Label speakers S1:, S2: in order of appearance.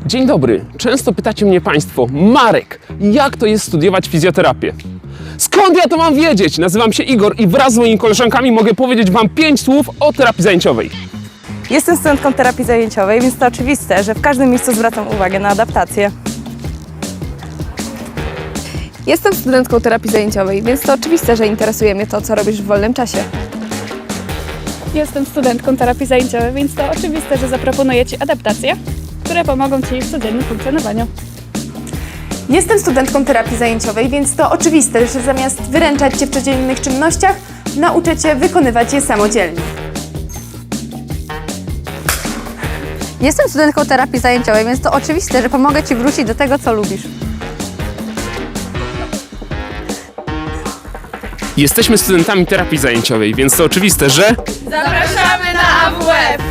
S1: Dzień dobry. Często pytacie mnie Państwo, Marek, jak to jest studiować fizjoterapię? Skąd ja to mam wiedzieć? Nazywam się Igor i wraz z moimi koleżankami mogę powiedzieć Wam 5 słów o terapii zajęciowej.
S2: Jestem studentką terapii zajęciowej, więc to oczywiste, że w każdym miejscu zwracam uwagę na adaptację.
S3: Jestem studentką terapii zajęciowej, więc to oczywiste, że interesuje mnie to, co robisz w wolnym czasie.
S4: Jestem studentką terapii zajęciowej, więc to oczywiste, że zaproponuję Ci adaptacje, które pomogą Ci w codziennym funkcjonowaniu.
S5: Jestem studentką terapii zajęciowej, więc to oczywiste, że zamiast wyręczać Cię w codziennych czynnościach, nauczę Cię wykonywać je samodzielnie.
S6: Jestem studentką terapii zajęciowej, więc to oczywiste, że pomogę Ci wrócić do tego, co lubisz.
S1: Jesteśmy studentami terapii zajęciowej, więc to oczywiste, że...
S3: Zapraszamy na AWF!